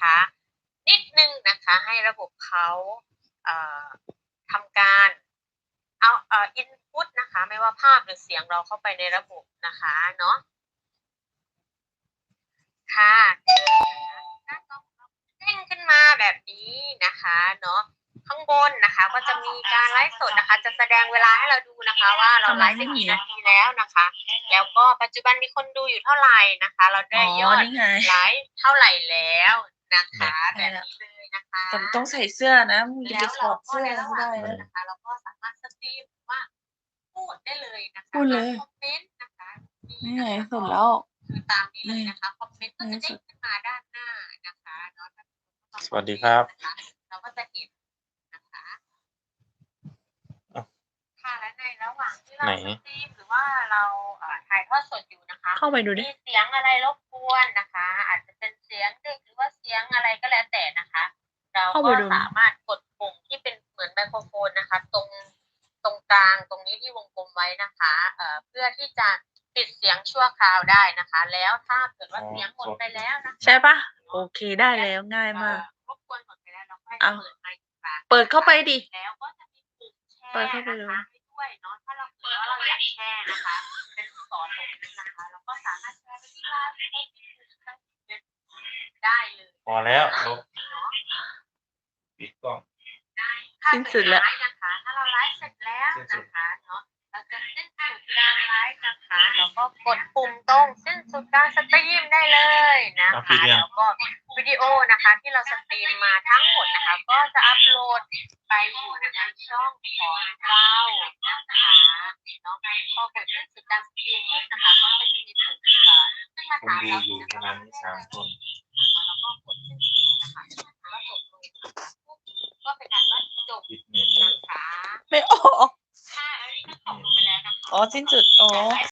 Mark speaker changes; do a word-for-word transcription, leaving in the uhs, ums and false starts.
Speaker 1: นิดหนึ่งนะคะ ให้ระบบเขาเอ่อทำการเอาเอ่อ input นะคะ ไม่ว่าภาพหรือเสียงเราเข้าไปในระบบนะคะเนาะ ค่ะหน้าจอของเราเด้งขึ้นมาแบบนี้นะคะเนาะ ข้างบนนะคะก็จะมีการไลฟ์สดนะคะ จะแสดงเวลาให้เราดูนะคะว่า เราไลฟ์ไปกี่นาทีแล้วนะคะ แล้วก็ปัจจุบันมีคนดูอยู่เท่าไรนะคะ เรา
Speaker 2: อ๋อ
Speaker 1: ได้ยอด
Speaker 2: นี่ไง
Speaker 1: ไลฟ์เท่าไรแล้วนะคะ
Speaker 2: ใช
Speaker 1: แบ่บ
Speaker 2: แล้ว
Speaker 1: นี้เลยนะคะ
Speaker 2: แต่ต้องใส่เสื้อนะ มึงจะ
Speaker 1: แล้
Speaker 2: ไป
Speaker 1: ว
Speaker 2: ถ
Speaker 1: เร
Speaker 2: อ
Speaker 1: า
Speaker 2: ด
Speaker 1: ก
Speaker 2: เส็ื้อ
Speaker 1: ใน
Speaker 2: ไ
Speaker 1: ระห
Speaker 2: ม่
Speaker 1: ว่าง
Speaker 2: ได้
Speaker 1: นี้
Speaker 2: นะ
Speaker 1: นะคะ เราก็สามารถสตรีม หรือว่าพูดได้เลยนะคะ
Speaker 2: พูดเลย
Speaker 1: คอมเมนต์นะคะ มี
Speaker 2: นี่
Speaker 1: นะ
Speaker 2: ไง
Speaker 1: คะ
Speaker 2: สุด
Speaker 1: ก็
Speaker 2: แล้ว
Speaker 1: คือตามนี้เล
Speaker 2: นี่
Speaker 1: ยนะคะ คอมเมนต์ก็
Speaker 2: ใน
Speaker 1: จะ
Speaker 2: ที่
Speaker 1: เด้
Speaker 2: สุ
Speaker 1: ง
Speaker 2: ด
Speaker 1: ขึ้นมาด้านหน้านะคะเนาะ
Speaker 3: สวัสดีครับ
Speaker 1: นะคะ เราก็จะเห็นนะคะ
Speaker 3: อ้าว
Speaker 1: ค่ะ และในระหว่างที่เรา
Speaker 3: ไหน?
Speaker 1: สตรีม หรือว่าเรา เอ่อ ถ่ายทอดสดอยู่นะคะ
Speaker 2: เข้าไปดูดิ
Speaker 1: มีเสียงอะไรรบกวนนะคะ อาจจะเป็นเสียงเด็ก หรือว่าเสียงอะไรก็แล้วแต่นะคะ เรา
Speaker 2: เข้า
Speaker 1: ก็
Speaker 2: ไปดู
Speaker 1: สามารถกดปุ่มที่เป็นเหมือนไมโครโฟนนะคะ ตรง ตรงกลางตรงนี้ที่วงกลมไว้นะคะ เอ่อ เพื่อที่จะปิดเสียงชั่วคราวได้นะคะ แล้วถ้าเกิดว่า
Speaker 3: อ๋อ
Speaker 1: เสียงหมดไปแล้วนะคะ
Speaker 2: ใช่เปล่า?
Speaker 1: เนาะ
Speaker 2: โอเค ได้แล้ว ง่ายมาก
Speaker 1: เอ่อ รบกวนหมดไปแล้ว เราค่อย
Speaker 2: อ้าว
Speaker 1: เปิดไมค์อีกครั้ง
Speaker 2: เปิดเข้าไปดิ
Speaker 1: แล้วก็จะมีปุ่มแชร์
Speaker 2: เปิดเข้าไป
Speaker 1: นะ
Speaker 2: ดู
Speaker 1: คะ ให้ด้วยเนาะ ถ้าเราเกิดว่าเราอยากแชร์นะคะ เป็นลูกศรตรงนี้นะคะ เราก็สามารถแชร์ไปที่ ไลน์ เฟซบุ๊ก ได้เลย
Speaker 3: พอแล้ว ลบ
Speaker 1: เนาะ
Speaker 3: ปิดกล้อง
Speaker 1: ได้ ค่ะ
Speaker 2: สิ้นสุดแล้ว
Speaker 1: ท้ายนะคะ ถ้าเราไลฟ์เสร็จแล้วนะคะเนาะ เราจะสิ้นสุดการไลฟ์นะคะ เราก็กดปุ่มตรงสิ้นสุดการสตรีมได้เลยนะ
Speaker 3: อ้าว
Speaker 1: ค
Speaker 3: ปิดยั
Speaker 1: ะ
Speaker 3: ง?
Speaker 1: แล้วก็วิดีโอนะคะที่เราสตรีมมาทั้งหมดนะคะ ก็จะอัปโหลดไปอยู่ในช่องของเรานะคะเนาะ พอกดสิ้นสุดการสตรีมปุ๊บนะคะ ก็จะมีปุ่ม เอ่อ ขึ้นมา
Speaker 3: คน
Speaker 1: ถาม
Speaker 3: ดู
Speaker 1: เรา
Speaker 3: อยู่
Speaker 1: นะ
Speaker 3: ป
Speaker 1: คะ
Speaker 3: ระมาณนี้ สาม คน
Speaker 1: นะคะ แล้วก็กดสิ้นสุดนะคะ แล้วจบลงนะคะปุ๊บ ก็เป็นอันว่าจบ
Speaker 3: ปิดเน็ตเล
Speaker 1: นะ
Speaker 3: ย
Speaker 1: คะ
Speaker 2: ไม่ ออก
Speaker 1: ค่ะ อันนี้ก็จบลงไปแล้วนะคะ
Speaker 2: อ๋อ สิ้นสุด อ๋อ